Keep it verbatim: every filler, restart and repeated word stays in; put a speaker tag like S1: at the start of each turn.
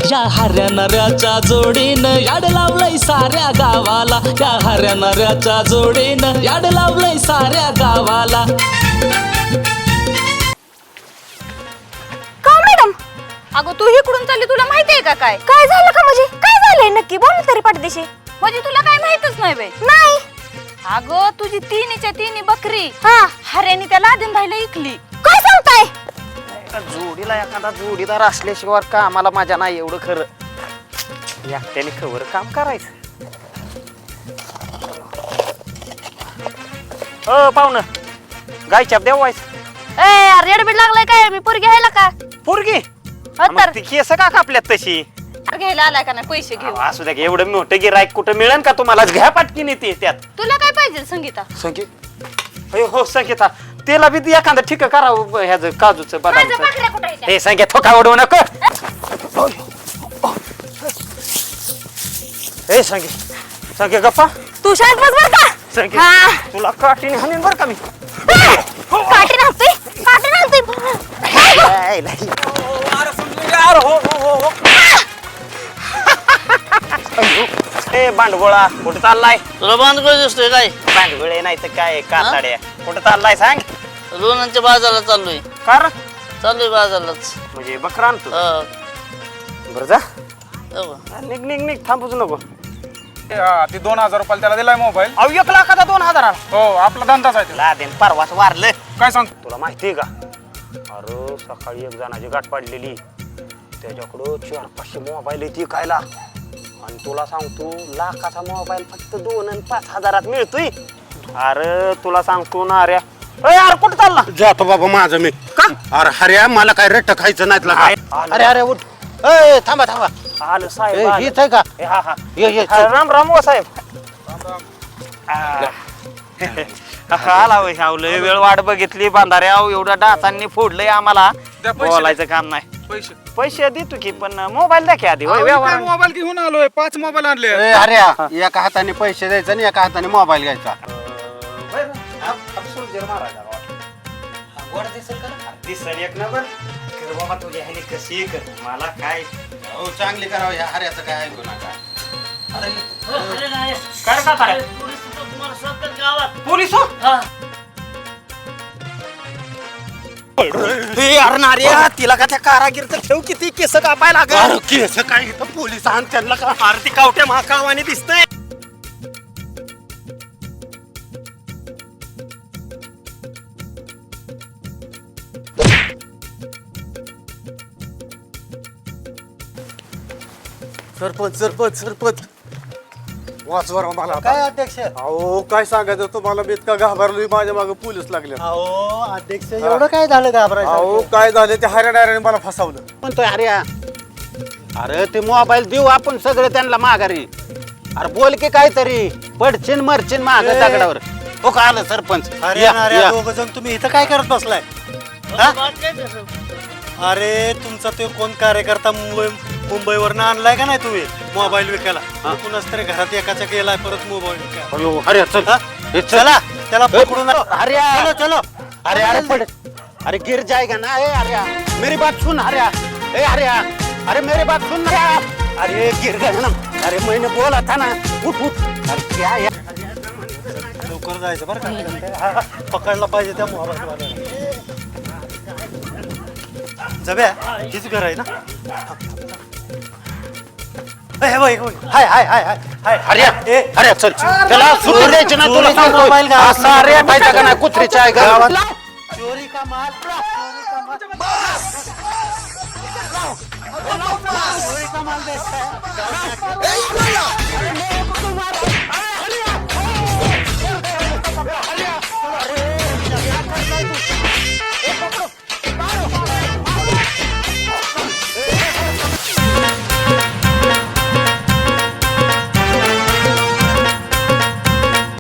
S1: या हऱ्या नऱ्याच्या जोडीनं याड लावलंय साऱ्या गावाला, या हऱ्या नऱ्याच्या जोडीनं याड लावलंय साऱ्या गावाला.
S2: का मॅडम? अगं तू इकडून चालली, तुला माहितीये का काय काय झालं का? म्हणजे काय झालंय नक्की? बोल तरी पाठदेशी. म्हणजे तुला काय माहितच नाही बाई? नाही. अगं तुझी तिन्हीच्या तिन्ही बकरी हा हऱ्यानी त्या लादेन भाईला इकली. काय सांगताय?
S3: जोडीला एखादा जोडीदार असल्याशिवाय का आम्हाला माझ्या नाही एवढं खरं. एकट्याने खबर काम करायचं. अ पाहुणं गायच्या देवायचं.
S2: ए यार रेडबीड लागलाय काय? मी पोरगी घ्यायला का?
S3: पोरगी
S2: तर
S3: ती केस का कापल्यात तशी?
S2: घ्यायला आलाय का नाही? पैसे घेऊ.
S3: असू द्या, एवढं मोठं गिराईक कुठं मिळेल का तुम्हाला? घ्या पाटकीन येते त्यात.
S2: तुला काय पाहिजे संगीता?
S3: संगीत हो संगीता, त्याला बी एखादं ठीक करावं ह्याच काजूचं बदामचं. हे संगीत ठोका उडवू नको. हे संगीत संगीत गप्पा
S2: तू शाळेत बस बर का?
S3: संगीत तुला काठीने हाणीन बर का मी.
S2: काठी नव्हती काठी नव्हती.
S3: ए बांडगोळा कुठं चाललाय?
S4: तुला बांधगोळ दिसतोय काय?
S3: बांडगोळे नाही तर काय काताड्या. कुठं चाललाय सांग?
S4: लोणांच्या बाजारला चाललोय.
S3: कार
S4: चाललोय बाजारलाच.
S3: म्हणजे बकरा आणतो.
S4: हा.
S3: बरं जा
S4: हो.
S3: निघ निघ निघ थांबूच नको.
S5: ती दोन हजार रुपयाला त्याला दिलाय मोबाईल.
S3: अहो एक लाखाचा दोन हजाराला.
S5: हो आपला धंदाच आहे.
S3: लादेन परवाच वारलं.
S5: काय सांग?
S3: तुला माहितीये का? अरे सकाळी एक जणाची गाठ पडलेली, त्याच्याकडं चार पाचशे मोबाईल येते कायला. आणि तुला सांगतो लाखाचा मोबाईल फक्त दोन आणि पाच हजारात मिळतोय. अरे तुला सांगतो ना अरे यार कुठं चालला?
S6: जातो बाबा माझं मी.
S3: का?
S6: अरे हऱ्या मला काय रट्ट खायचं नाही तुला.
S3: आलं.
S6: अरे अरे उठ. ए थांबा थांबा.
S3: आलं साहेब
S6: ए,
S3: आलं.
S6: हीच आहे का?
S3: ए, हा हा
S6: ये ये
S3: हा, राम राम हो साहेब. आला होय, लय वेळ वाट बघितली बांधाऱ्या. एवढ्या डासांनी फोडलंय आम्हाला.
S5: द्या पैसे.
S3: बोलायचं काम नाही.
S5: पैसे
S3: पैसे देतो की पण मोबाईल द्या की आधी. होय व्यवहार.
S5: मोबाईल घेऊन आलोय. पाच मोबाईल आणले.
S6: ए, हऱ्या एका हाताने पैसे द्यायचे आणि एका हाताने मोबाईल घ्यायचा.
S3: दिसन एक नंबर कर बाबा तुझ्या ह्याने कशी कर मला काय
S6: हो चांगली करावं ह्या हऱ्याचं काय ऐकू नका.
S3: कर का करे
S4: तुम्हाला सत्तर गावात
S3: पोलीस हो. हे अरे नार्या तिला का त्या कारागीरचं ठेव किती केस कापाय लागल.
S6: अरे केस काय इथं पोलीस आण त्यांना का?
S3: अरे ती कावट्या महाकावाने दिसतंय.
S6: सरपंच सरपंच सरपंच वाचवा राव मला.
S7: काय अध्यक्ष?
S6: अहो काय सांगायचं तुम्हाला, मी इतका घाबरलोय, माझ्या मागे पोलीस लागले.
S7: अहो अध्यक्ष एवढं काय झालं घाबरायचं?
S6: अहो काय झालं, ते हऱ्या डायऱ्याने मला फसवलं.
S8: म्हणतोय हऱ्या. अरे ते मोबाईल देऊ आपण सगळे त्यांना माघारी. अरे बोल की काहीतरी, पडचिन मरचिन माग
S7: ए.
S8: दगडावर. हो का आलं सरपंच?
S7: अरे
S8: या,
S7: अरे
S8: या.
S7: दोघ जण तुम्ही इथं काय करत बसलाय? हा? अरे तुमचा तो कोण कार्यकर्ता मुंबई मुंबईवरनं आणलाय का नाही तुम्ही मोबाईल विकायला? कुणाच तरी घरात एकाचा गेलाय परत मोबाईल विकायला.
S8: अयो, हऱ्या चल.
S7: हा?
S8: हे चल.
S7: चला त्याला पकडून
S8: हऱ्या
S7: चलो चलो.
S8: अरे अरे पड. अरे गिर जाएगा ना. ए हऱ्या मेरी बात सुन हऱ्या. ए हऱ्या अरे मेरी बात सुन ना. अरे गिर गया ना. अरे मैंने बोला था ना. उठ उठ. अरे क्या या
S7: लवकर जायचं बरं का? पकडला पाहिजे त्या मोबाईल वाल्याला. जब्या हीच घर आहे ना? ए, होय, होय. हाय हाय हाय हाय हाय
S8: हऱ्या
S7: ए,
S8: हऱ्या चल. त्याला सुटू द्यायची ना तुला
S7: चोरीचा
S8: सांगतोय.
S7: मोबाईल गावात
S8: असा हऱ्या पाहिजे का नाही कुत्रीच्या आहे गावात.
S7: चोरी का माल चोरी का माल चोरी का माल बेचता है.